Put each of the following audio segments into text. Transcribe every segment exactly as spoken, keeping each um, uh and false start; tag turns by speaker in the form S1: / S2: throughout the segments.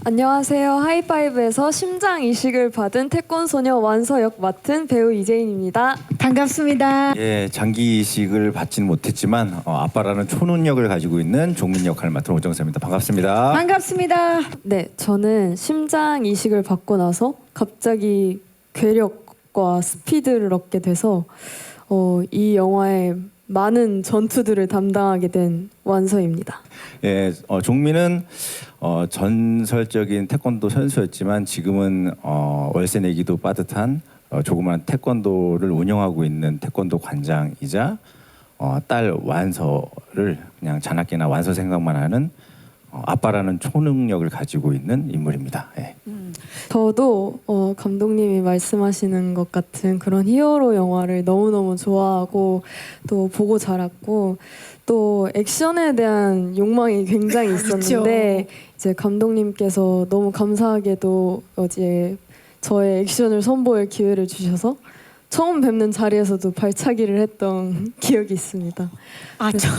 S1: 안녕하세요. 하이파이브에서 심장 이식을 받은 태권소녀 완서 역 맡은 배우 이재인입니다.
S2: 반갑습니다.
S3: 예, 장기 이식을 받지는 못했지만 어, 아빠라는 초능력을 가지고 있는 종민 역할을 맡은 오정세입니다. 반갑습니다.
S2: 반갑습니다.
S1: 네, 저는 심장 이식을 받고 나서 갑자기 괴력과 스피드를 얻게 돼서 어, 이 영화의 많은 전투들을 담당하게 된 완서입니다.
S3: 예, 어, 종민은 어, 전설적인 태권도 선수였지만 지금은 어, 월세 내기도 빠듯한 어, 조그만 태권도를 운영하고 있는 태권도 관장이자 어, 딸 완서를 그냥 자나깨나 완서 생각만 하는 어, 아빠라는 초능력을 가지고 있는 인물입니다. 예.
S1: 음. 저도 어, 감독님이 말씀하시는 것 같은 그런 히어로 영화를 너무너무 좋아하고 또 보고 자랐고 또 액션에 대한 욕망이 굉장히 있었는데 이제 감독님께서 너무 감사하게도 어제 저의 액션을 선보일 기회를 주셔서 처음 뵙는 자리에서도 발차기를 했던 기억이 있습니다.
S2: 아, 저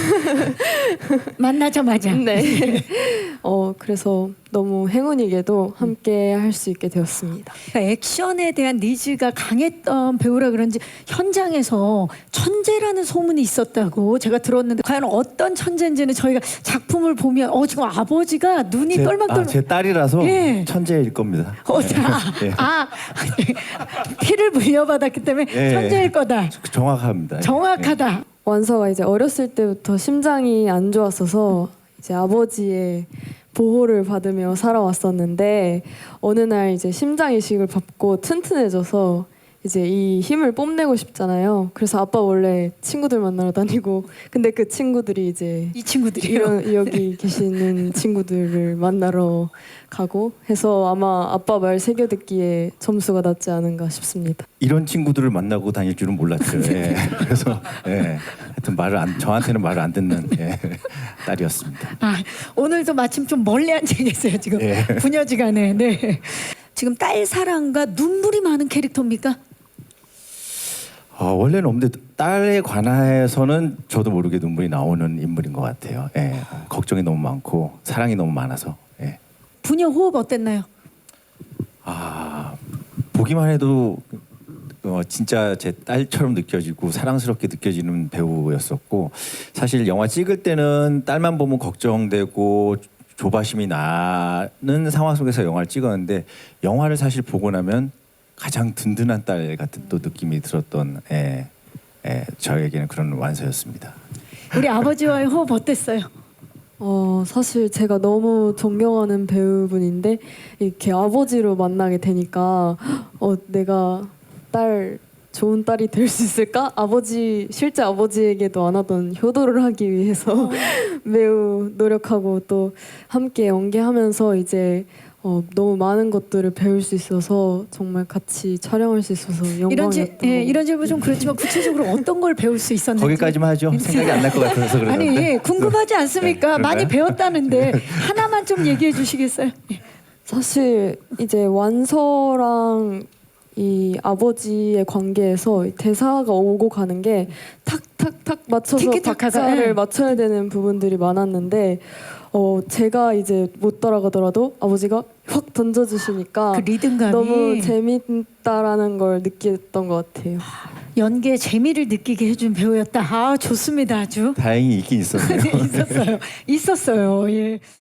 S2: 만나자마자.
S1: 네. 어 그래서 너무 행운이게도 함께 할 수 있게 되었습니다.
S2: 그러니까 액션에 대한 니즈가 강했던 배우라 그런지 현장에서 천재라는 소문이 있었다고 제가 들었는데 과연 어떤 천재인지는 저희가 작품을 보면 어 지금 아버지가 눈이
S3: 제,
S2: 떨막떨막.
S3: 아, 제 딸이라서
S2: 예.
S3: 천재일 겁니다.
S2: 어, 자,
S3: 예.
S2: 아, 피를 물려받았기 때문에
S3: 예.
S2: 천재일 거다.
S3: 정확합니다.
S2: 정확하다.
S1: 완서가 이제 어렸을 때부터 심장이 안 좋았어서 이제 아버지의 보호를 받으며 살아왔었는데 어느 날 이제 심장 이식을 받고 튼튼해져서 이제 이 힘을 뽐내고 싶잖아요. 그래서 아빠 원래 친구들 만나러 다니고 근데 그 친구들이 이제
S2: 이 친구들이요.
S1: 이런 여기 계시는 친구들을 만나러 가고 해서 아마 아빠 말 새겨 듣기에 점수가 낮지 않은가 싶습니다.
S3: 이런 친구들을 만나고 다닐 줄은 몰랐죠. 예. 그래서 예. 하여튼 말을 안, 저한테는 말을 안 듣는 예. 딸이었습니다.
S2: 아, 오늘도 마침 좀 멀리 앉아 계세요 지금.
S3: 예.
S2: 부녀지간에. 네. 지금 딸 사랑과 눈물이 많은 캐릭터입니까?
S3: 어, 원래는 없는데 딸에 관해서는 저도 모르게 눈물이 나오는 인물인 것 같아요. 예. 걱정이 너무 많고 사랑이 너무 많아서. 예.
S2: 부녀 호흡 어땠나요?
S3: 아, 보기만 해도 어, 진짜 제 딸처럼 느껴지고 사랑스럽게 느껴지는 배우였었고 사실 영화 찍을 때는 딸만 보면 걱정되고 조바심이 나는 상황 속에서 영화를 찍었는데 영화를 사실 보고 나면 가장 든든한 딸 같은 또 느낌이 들었던 예, 예, 저에게는 그런 완서였습니다.
S2: 우리 아버지와의 호흡 어땠어요?
S1: 어 사실 제가 너무 존경하는 배우분인데 이렇게 아버지로 만나게 되니까 어 내가 딸 좋은 딸이 될 수 있을까? 아버지 실제 아버지에게도 안 하던 효도를 하기 위해서 매우 노력하고 또 함께 연기하면서 이제 어, 너무 많은 것들을 배울 수 있어서 정말 같이 촬영할 수 있어서
S2: 이런
S1: 영광이었던
S2: 지, 예,
S1: 것
S2: 이런 질문 좀 그렇지만 구체적으로 어떤 걸 배울 수 있었는지.
S3: 거기까지만 하죠. 생각이 안 날 것 같아서 그러는데.
S2: 아니 예, 궁금하지 않습니까?
S3: 네,
S2: 많이
S3: 그럴까요?
S2: 배웠다는데 하나만 좀 얘기해 주시겠어요? 예.
S1: 사실 이제 완서랑 이 아버지의 관계에서 대사가 오고 가는 게 탁탁탁 맞춰서
S2: 티키타카가,
S1: 박자를
S2: 예.
S1: 맞춰야 되는 부분들이 많았는데 어 제가 이제 못 따라가더라도 아버지가 확 던져주시니까
S2: 그 리듬감이
S1: 너무 재밌다라는 걸 느꼈던 것 같아요.
S2: 연기에 재미를 느끼게 해준 배우였다. 아 좋습니다 아주.
S3: 다행히 있긴 있었네요.
S2: 네, 있었어요. 있었어요. 예.